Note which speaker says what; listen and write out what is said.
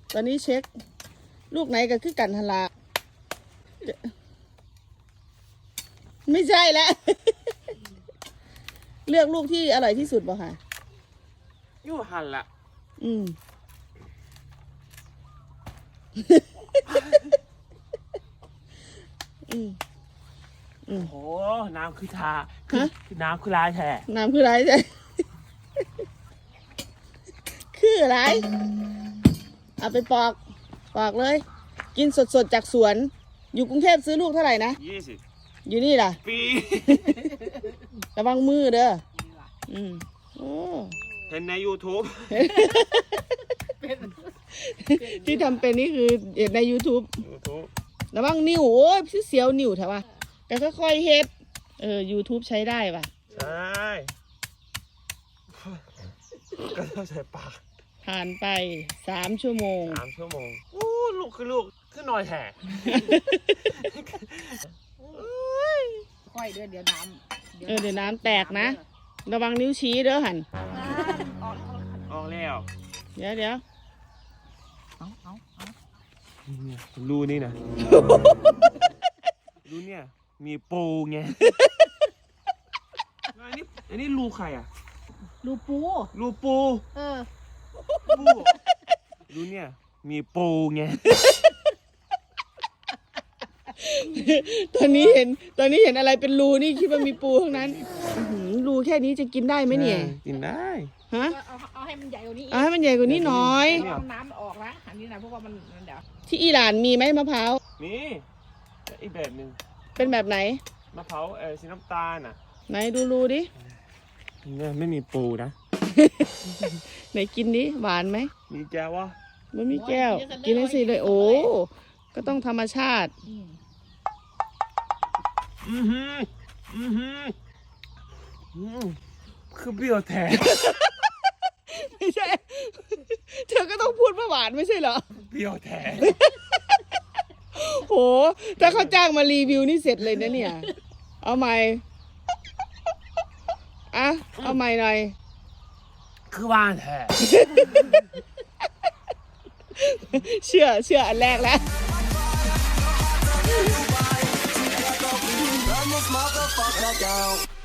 Speaker 1: ตอนนี้เช็ค ลูกไหนก็คือกันทลาไม่ใช่แล้ว เลือกลูกที่อร่อยที่สุดบ่ค่ะ
Speaker 2: อยู่หันละ
Speaker 1: อืม
Speaker 2: โอ้น้ำคือทาคือน้ำคือลายแท้
Speaker 1: น้ำคืออะไรใช่ คืออะไร เอาไปปอกเลย กินสดๆจากสวน อยู่กรุงเทพซื้อลูกเท่าไหร่นะ
Speaker 2: 20
Speaker 1: อยู่นี่ล่ะ
Speaker 2: ปี
Speaker 1: ระวังมือเด้อโอ้
Speaker 2: เห็นใน YouTube
Speaker 1: ที่ทำเป็นนี่คือเห็นใน YouTube ระวังนิ้วโอ้ยเสียวนิ้วเถอะวะแต่ค่อยๆเฮ็ดYouTube ใช้ได้ป่ะ
Speaker 2: ใช่ก็ต้องใส่ปาก
Speaker 1: ผ่านไป3 ชั่วโมง
Speaker 2: 3 ชั่วโมงโอ้ลูกคือหน่อยแท้
Speaker 3: ค่อยเดี๋ยวน้ำ
Speaker 1: เดี๋ยวน้ำแตกนะ ระวังนิ้วชี้เด้อหัน
Speaker 2: ออกแล้ว
Speaker 1: เดี๋ยว
Speaker 2: เนี่ยรูนี่นะ รูเนี่ยมีปูไง อันนี้รูใครอ่ะ
Speaker 3: รูปู
Speaker 2: รูปู ปูรูเนี่ยมีปูไง
Speaker 1: ตอนนี้เห็นอะไรเป็นรูนี่คิดว่ามีปูทั้งนั้นรูแค่นี้จะกินได้ไหมเนี่ย
Speaker 2: กินได้
Speaker 1: ฮะ
Speaker 3: เอาให้มันใหญ่กว่านี้อีก
Speaker 1: เอาให้มันใหญ่กว่านี้หน่อย
Speaker 3: เอาน้ำออกนะอันนี้นะเพราะว่ามันเดี๋ยว
Speaker 1: ที่อิหร่านมีไหมมะพร้าว
Speaker 2: นี่อีกแบบหนึ่ง
Speaker 1: เป็นแบบไหน
Speaker 2: มะพร้าวสีน้ำตาลอ่ะ
Speaker 1: ไหนดูรูดิ
Speaker 2: เนี่ยไม่มีปูนะ
Speaker 1: ไหนกินดิหวานไหม
Speaker 2: มีแก้ววะ
Speaker 1: มันมีแก้ว กินให้สิเลยโอ้ก็ต้องธรรมชาติ
Speaker 2: คือเปรี้ยวแท้
Speaker 1: ไม่ใช่ เธอก็ต้องพูดว่าหวานไม่ใช่เหรอ
Speaker 2: เปรี้ยวแท้
Speaker 1: โห ถ้าเขาจ้างมารีวิวนี่เสร็จเลยนะเนี่ย เอาใหม่เอาใหม่หน่อย
Speaker 2: คือหวานแท้
Speaker 1: เชื่ออันแรกแล้ว
Speaker 4: Burn this motherfucker down.